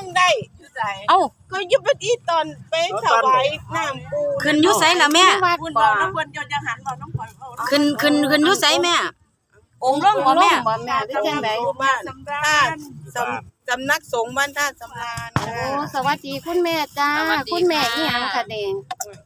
ได้เอ้าก็ยุบที่ตอนไปถวายน้ำปูขึ้นอยู่ไสล่ะแม่คุณบอกน้ำคนจนยังหันบอกน้ำคนขึ้นอยู่ไสแม่องค์ลงบ่แม่บ่แม่หรือจังได๋บ้านท่าสำนักสงฆ์บ้านท่าสำราญโอ้สวัสดีคุณแม่จ้าคุณแม่อีหยังคะเด้ง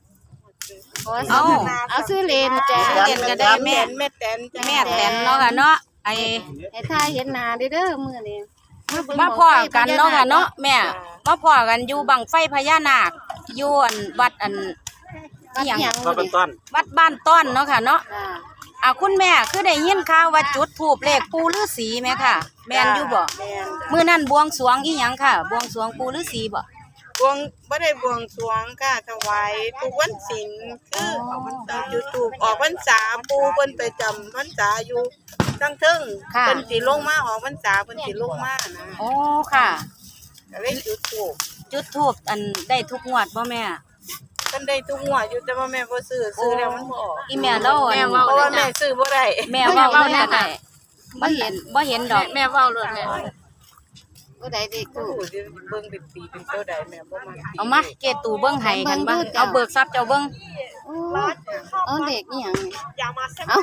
เอาซื้อเลนจ้าเรียนก็ได้แม่แม่แตนแม่แตนเนาะค่ะเนาะไอ้ให้ทายเห็นหน้าเด้อมื้อนี้มาพ้อกันเนาะค่ะเนาะแม่มาพ้อกันอยู่บังไฟพญานาคอยู่อันวัดอันวัดหยังมาเป็นต้นวัดบ้านต้อนเนาะค่ะเนาะจ้าคุณแม่คือได้ยินข่าวว่าจุดธูปเลขปู่ฤาษีแม่ค่ะแม่นอยู่บ่มื้อนั้นบวงสรวงอีหยังค่ะบวงสรวงปู่ฤาษีบ่บวงไม่ได้บวงสรวงค่ะถวายทุกวันศีลคือจุดถูกออกพรรษาปูเพิ่นไปจำพรรษาอยู่ทั้งทึ่งเพิ่นสิลงมาออกพรรษาเพิ่นสิลงมานะโอ้ค่ะก็เลยจุดถูกจุดธูปอันได้ทุกงวดบ่แม่เพิ่นได้ทุกงวดอยู่แต่ว่าแม่บ่ซื้อแล้วมันบ่ออกอีแม่เล่าอันเพราะว่าแม่ซื้อบ่ได้แม่เว้าเลยก็ได้บ่เห็นดอกแม่เว้าเลยแม่ผู้ใดเด็กตู้ตู้สิเบิ่งเป็นปีเป็นเท่าใดแม่บ่มักเอามาเกตูเบิ่งให้กันบ่เอาเบิกทรัพย์เจ้าเบิ่งโอ้เอาเด็กอีหยังเอา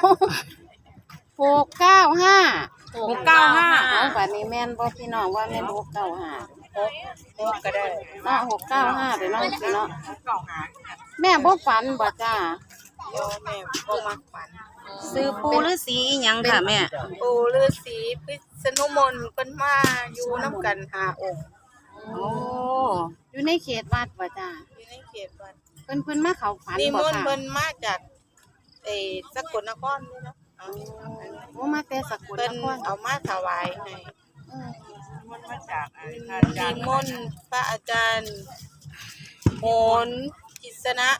695 695 เอาบัดนี้แม่นบ่พี่น้องว่าแม่น695 ก็ได้เนาะ695ไปเนาะพี่เนาะแม่บ่ฝันบ่จ้าเดี๋ยวแม่บ่มักฝันซื้อปู่ฤาษีอีหยังค่ะแม่ปู่ฤาษีพิษณุมนต์เพิ่นมาอยู่นํกัน5องค์โอ้อยู่ในเขตวัดบ่จ้าอยู่ในเขตวัดเพิ่นมาเข้าฝันนิบ่มนต์ค่ะเพิ่นมาจากสกลนครนี่เนาะโอ้มาแต่สกลเพิ่นนครเอามาถวายให้เออนิมนต์พระอาจารย์โหนกิษณะ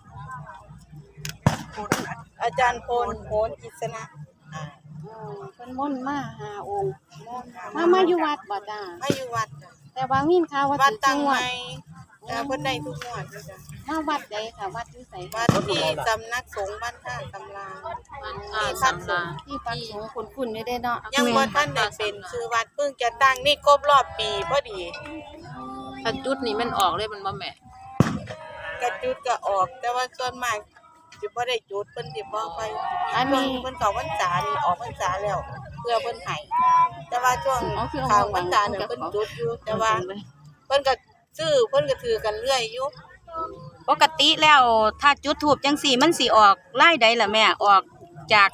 อาจารย์พลโหนกิษณะเพิ่นม่นต์มาหาองค์มาอยู่วัดบ่จ้ามาอยู่วัดน่ะแต่ว่ามีข่าวว่าวัดถูกตั้งจังหใหวัดม่แต่เพิ่นได้ทุกงวดเลยจ้ะมาวัดใดค่ะวัดอยู่ไสวัดที่สำนักสงฆ์บ้านท่าสำราญที่พักสงฆ์ที่ปักสงฆ์คุ้นๆอยู่เด้เนาะยังบ่ทันได้เป็นชื่อวัดเพิ่งจะตั้งนี่ครบรอบปีพอดีถ้าจุดนี้มันออกเลยมันบ่แม่กระจุดก็ออก แต่ว่าส่วนมากสิบ่ได้จุดเพิ่นสิบ่ไปเพิ่นเข้าพรรษานี่ออกพรรษาแล้ว เพื่อเพิ่นให้แต่ว่าช่วงเข้าพรรษาเนี่ยเพิ่นจุดอยู่แต่ว่าเพิ่นก็ซื้อเพิ่นก็ถือกันเรื่อยอยู่ปกติแล้วถ้าจุดธูปจังซี่มันสิออกลายใดล่ะแม่ออกจาก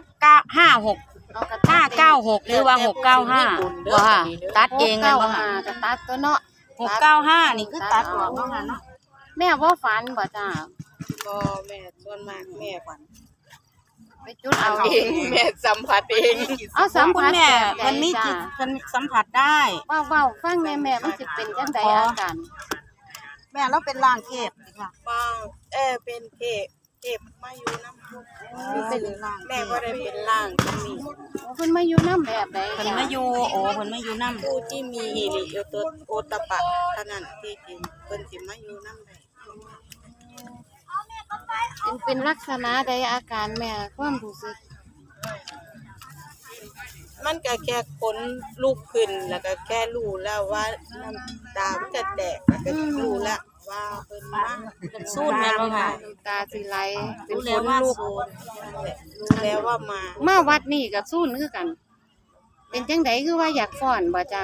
596หรือว่า695บ่ค่ะตัดเองแม่นบ่ค่ะก็ตัดตัวเนาะ 695นี่คือตัดออกเนาะค่ะเนาะแม่บ่ฝันบ่จ้าก็แม่ส่วนมากแม่ฝันไปจุดเอาเองแม่สัมผัสเองเอาสัมคุผัณสแม่แบบใดมันมีจิจ้าตเพิ่นสัมผัสได้เว้าฟังแม่มันสิเป็นจังไดอาการแม่เราเป็นร่างเทพค่ะว่าเป็นเทพมาอยู่นำเป็นร่างแม่บ่ได้เป็นร่างที่มีเพิ่นมาอยู่นำแบบใดเพิ่นมาอยู่โอ้เพิ่นมาอยู่นำผู้ที่มีฮิริโอตปะเท่านั้นที่จริงเพิ่นสิมาอยู่นำได้เป็นลักษณะใดอาการแม่ความรู้สึกมันก็แค่ขนลุกขึ้นแล้วก็แค่รู้แล้วว่าน้ำตามันจะแตกแล้วก็รู้แล้วว่าเพิ่นมาสู้แม่บ่ค่ะน้ำตาสิไหลเป็นรู้คแล้วนว่าลุกสูญรู้แล้วว่ามามาวัดนี่ก็สู้คือกัน เป็นจังไดคือว่าอยากฟ้อนบ่จ้า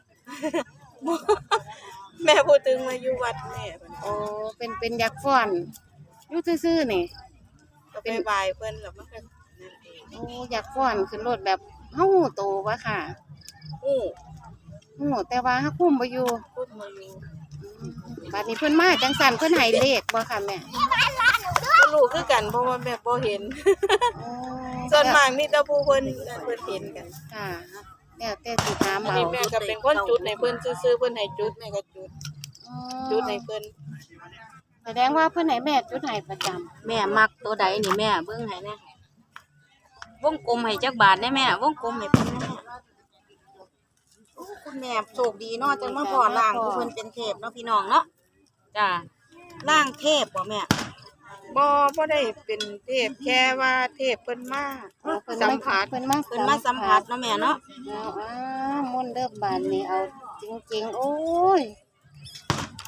แม่พูดถึงมาอยู่วัดแม่เพิ่นโอ้เป็นอยากฟ้อนอยู่ซื่อๆนี่ก็ไปไหว้เพิ่นแล้วมันก็นั่นเองโอ้อยากฟ้อนขึ้นรถแบบเฮาฮู้โตบ่ค่ะอู้ฮู้แต่ว่าเฮาคุมบ่อยู่พูดมาอยู่บัดนี้เพิ่นมาจังซั่นเพิ่นให้เลขบ่ค่ะแม่ก็รู้คือกันเพราะว่าแม่บ่เห็นโอ้ส่วนมากมีแต่ผู้เพิ่นเห็นกันค่ะแล้วแต่สิถามอันเอานี้แม่ก็เป็นคนจุดให้เพิ่นซื่อๆเพิ่นให้จุดแม่ก็จุดอ๋จุดอให้เพิ่นแสดงว่าเพิ่นให้แม่จุดให้ประจำแม่มักตัวใดนี่แม่เบิ่งให้แน่วงกลมให้จักบาทได้แม่วงกลมให้เพิ่นแน่โอ้คุณแม่โชคดีเนาะจังมาพอร่างผู้เพิ่นเป็นเทพเนาะพี่น้องเนาะจ้าร่างเทพบ่แม่บ่ได้เป็นเทพแค่ว่าเทพเพิ่นมาเพิ่นสัมามผัสเพิ่นมาเพิ่นมาสัมผัสเนาะแม่เนาะเอามนต์เด้อบานนี่เอาจริงๆโอ้ย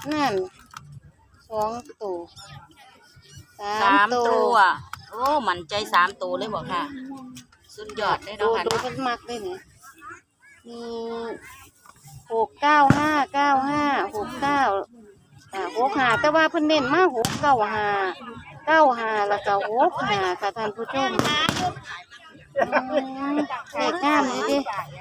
นั่น2ตัวสามตัตัว วโอ้มั่นใจ3ตัวเลยบ่ค่ะ สุดยอดเลยตัเนาะวค่ะตัวเนาะเพิ่นมักเลยนี่มี695แต่ว่าเพิ่นเน้นมา695แล้วก็65ค่ะท่านผู้ชมเลขงามนี่ดิ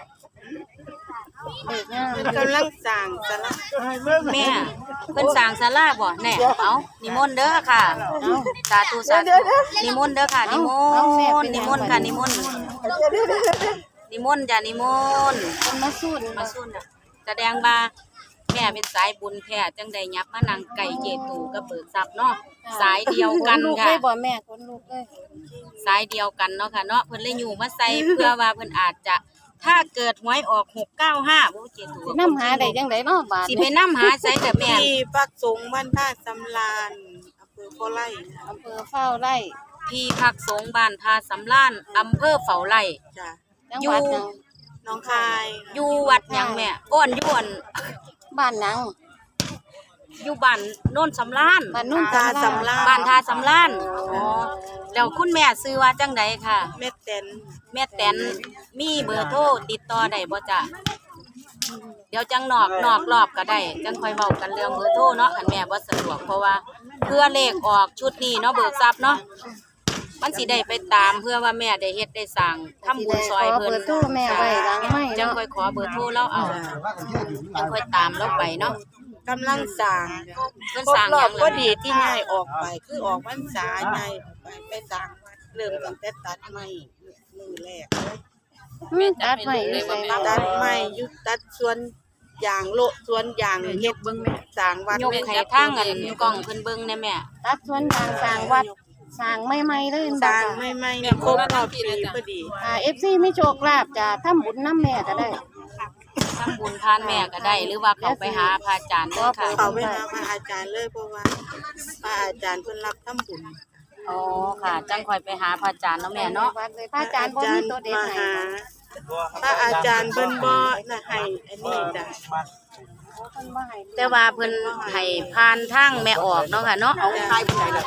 เลขงามเพิ่นกำลังสร้างศาลาแม่เพิ่นสร้างศาลาบ่แน่เอานิมนต์เด้อค่ะสาธุสาธุนิมนต์เด้อค่ะนิมนต์นิมนต์ค่ะนิมนต์นิมนต์จ้ะนิมนต์เพิ่นมาสู้มาสู้น่ะแสดงว่าแม่เป็นสายบุญแท้จังได้ยับมานั่งไก่เจตูกับเบิกทรัพย์เนาะสายเดียวกันลูกค่ะเลยบ่แม่คนลูกเลยสายเดียวกันเนาะค่ะเนาะเพิ่นเลยอยู่มาใส่ เพื่อว่าเพิ่นอาจจะถ้าเกิดหวยออก695บ่เจตูสินำหาได้จังไดเนาะบาดสิไปนำหาใส่กับแม่ที่ปักสงฆ์บ้านท่าสำราญอำเภอโคไลนะอำเภอเฝ้าไร่ที่พักสงฆ์บ้านทาสำล้านอำเภอเฝ้าไร่จ้ะจังหวัดหยังน้องคายอยู่วัดหยังแม่อ้วนอยู่อันบ้านหยังอยู่บ้านโน่นสำล้านบ้านนุ่นท่าสำราญบ้านทาสำล้านอ๋อแล้วคุณแม่ซื้อว่าจังใดค่ะแม่เต็นแม่แตนมีเบอร์โทรติดต่อได้บ่จ้ะเดี๋ยวจังนอกรอบก็ได้จังค่อยเว้ากันเรื่องเบอร์โทรเนาะคันแม่บ่สะดวกเพราะว่าเพื่อเลขออกชุดนี้เนาะเบิกทรัพย์เนาะมันสิได้ไปตามเพื่อว่าแม่ได้เฮ็ดได้สร้างทำบุญซอยเพิ่นขเบอร์โทรแม่ไว้หลังไม้จังเนาะค่อยขอเบอร์โทรเราเอาจังค่อยตามเราไปเนาะกำลังสร้างเพิ่นครสร้าบงรหอยับงก็ล่ะดีที่ง่ายออกไปคือออกพรรษาง่ายออกไปสร้างวัดเริ่มตั้งแต่ตัดไม้มือแรกเลยตัดไว้อยู่ไสตัดไม้อยู่ตัดสวนยางโละสวนยางเฮ็ดเบิ่งแม่สร้างวัดยกให้ทางอันกล้องเพิ่นเบิ่งแน่แม่ตัดสวนยางสร้างวัดสร้างใหม่ๆเลยสร้างไม่ครบรอบปีพอดี FC มีโชคลาภจะทำบุญนำแม่ก็ได้ทำบุญทานแม่ก็ได้ หรือว่าเขาไปหาพระอาจารย์เด้อค่ะเขาไปหาพระอาจารย์เลยเพราะว่าพระอาจารย์เพิ่นรับทำบุญอ๋อค่ะ จังค่อยไปหาพระอาจารย์เนาะแม่เนาะวัดเลยพระอาจารย์บ่มีตัวเด็ดมาให้หาพระอาจารย์เพิ่นบ่น่ะให้อันนี้จ้ะเพิ่นบ่ให้แต่ว่าเพิ่นให้ผ่านทางแม่ออกเนาะค่ะเนาะเอาผ่านทาง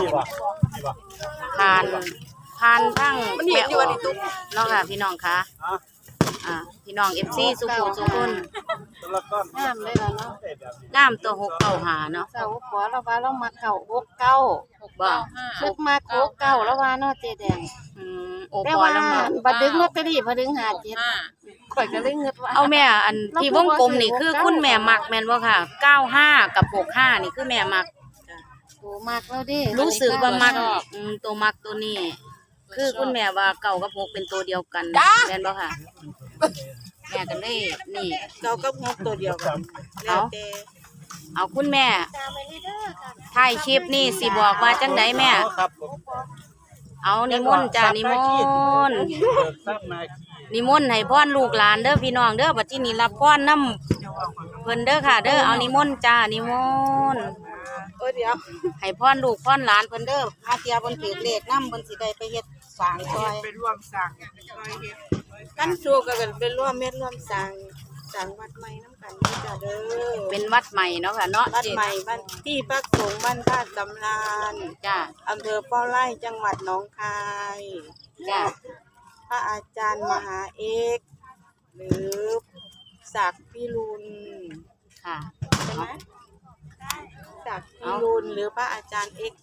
แม่ออกเนาะค่ะพี่น้องค่ะพี่น้อง FC สุขุสุคนงามเลยล่ะเนาะน้ำตัว695เนาะเสาขอเราว่าเรามาเข้า69 บ่สุกมา69แล้วว่าเนาะเจ๊แดงโอ้แต่พอว่าแล้วแม่บัดดึกลอตเตอรี่พอดึง57ข่อยก็เลยเงิดว่าเอาแม่อันที่วงกลมนี่คือคุณแม่มักแม่นบ่ค่ะ95กับ65นี่คือแม่มักโอ้มากแล้วดิรู้สึกว่ามักตัวมักตัวนี้ คือคุณแม่ว่าเก่ากับ6เป็นตัวเดียวกันแม่นบ่ค่ะ แม่ก็เลยนี่เก้ากับงบตัวเดียวกันแล้วแต่เอาคุณแม่ถ่ายคลิปนี่สิบอกว่าจังไดแม่ เอานิมนต์จ้านิมนต์นิมนต์ให้พรลูกหลานเด้อพี่น้องเด้อบัดนี้นี่รับพรนำเพิ่นเด้อค่ะ เด้อเอานิมนต์จ้านิมนต์เดี๋ยวให้พรลูกพรหลานเพิ่นเด้อหาเทียเพิ่นถือเลขนำเพิ่นสิได้ไปเฮ็ดสร้างซอยไปร่วมสร้างกันสู้กันไปร่วมเม็ดร่วมสร้างวัดใหม่น้ำกันนี่จ้ะเด้อเป็นวัดใหม่เนาะค่ะเนาะวัดใหม่บ้านที่พักสงฆ์บ้านท่าสำราญจ้าอำเภอเป้าไร่จังหวัดหนองคายจ้าพระอาจารย์มหาเอกหรือศักดิ์พิรุณค่ะใช่ไหมศักดิ์พิรุณหรือพระอาจารย์เอก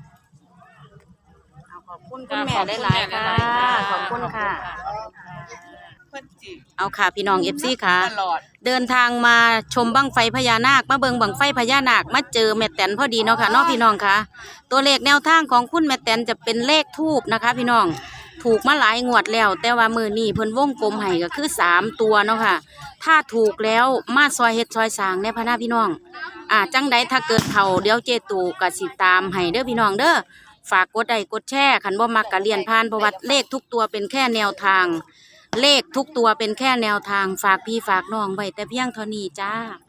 เอาขอบคุณคุณแม่หลายๆค่ะขอบคุณค่ะเพิ่นจิเอาค่ะพี่น้อง FC ค่ะตลอดเดินทางมาชมบั้งไฟพญานาคมาเบิงบั้งไฟพญานาคมาเจอแม่แตนพอดีเนาะค่ะเนาะพี่น้องค่ะ ตัวเลขแนวทางของคุณแม่แตนจะเป็นเลขทูบนะคะ พี่น้องถูกมาหลายงวดแล้ว แต่ว่ามือนี้เพิ่นวงกลมให้ก็คือ3ตัวเนาะค่ะ ถ้าถูกแล้วมาซอยเฮ็ดซอยสร้างในพะนาพี่น้องจังใดถ้าเกิดเขาเดี๋ยวเจตูก็สิตามให้เด้อพี่น้องเด้อฝากกดไลค์กดแชร์คันบ่มักก็เลียนผ่านเพราะว่าเลขทุกตัวเป็นแค่แนวทาง เลขทุกตัวเป็นแค่แนวทางฝากพี่ฝากน้องไว้แต่เพียงเท่านี้จ้า